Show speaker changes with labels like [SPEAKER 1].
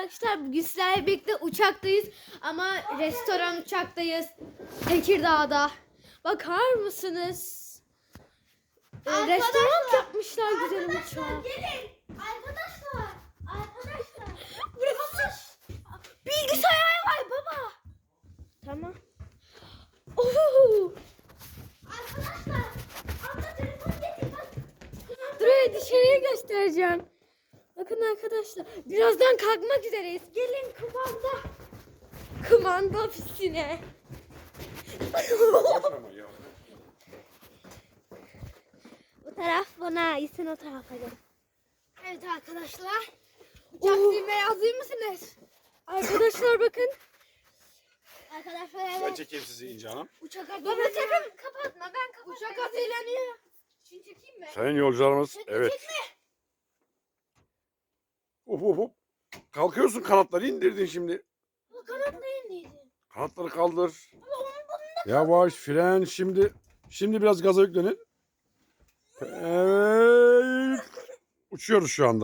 [SPEAKER 1] arkadaşlar. Bugün sizlerle birlikte uçaktayız. Ama restoran uçaktayız. Tekirdağ'da. Bakar mısınız? Restoran yapmışlar güzel uçağı.
[SPEAKER 2] Gelin. Arkadaşlar.
[SPEAKER 1] Burası bilgisayar var baba. Tamam. Oho.
[SPEAKER 2] Arkadaşlar. Abla telefon getir bak.
[SPEAKER 1] Dur dışarıya göstereceğim. Bakın arkadaşlar. Birazdan kalkmak üzereyiz. Gelin kumanda. Kumanda ofisine. Bu taraf bana ait. Sen o tarafa gel.
[SPEAKER 2] Evet arkadaşlar.
[SPEAKER 1] Uçak düğmeye hazır mısınız? Arkadaşlar bakın.
[SPEAKER 2] Arkadaşlar
[SPEAKER 3] Ben
[SPEAKER 2] evet.
[SPEAKER 3] çekeyim sizi İnci Hanım.
[SPEAKER 2] Uçak
[SPEAKER 1] Baba
[SPEAKER 2] hazırlanıyor.
[SPEAKER 1] sakın kapatma. Ben kapatmayayım. Uçak hazırlanıyor.
[SPEAKER 2] Şunu çekeyim mi?
[SPEAKER 3] Sayın yolcularımız, evet.
[SPEAKER 2] Çekme.
[SPEAKER 3] Hop hop hop. Kalkıyorsun, kanatları indirdin şimdi.
[SPEAKER 2] Bu kanatla indiydi.
[SPEAKER 3] Kanatları kaldır. Yavaş fren şimdi. Şimdi biraz gaza yüklenin. Evet. Uçuyoruz şu anda.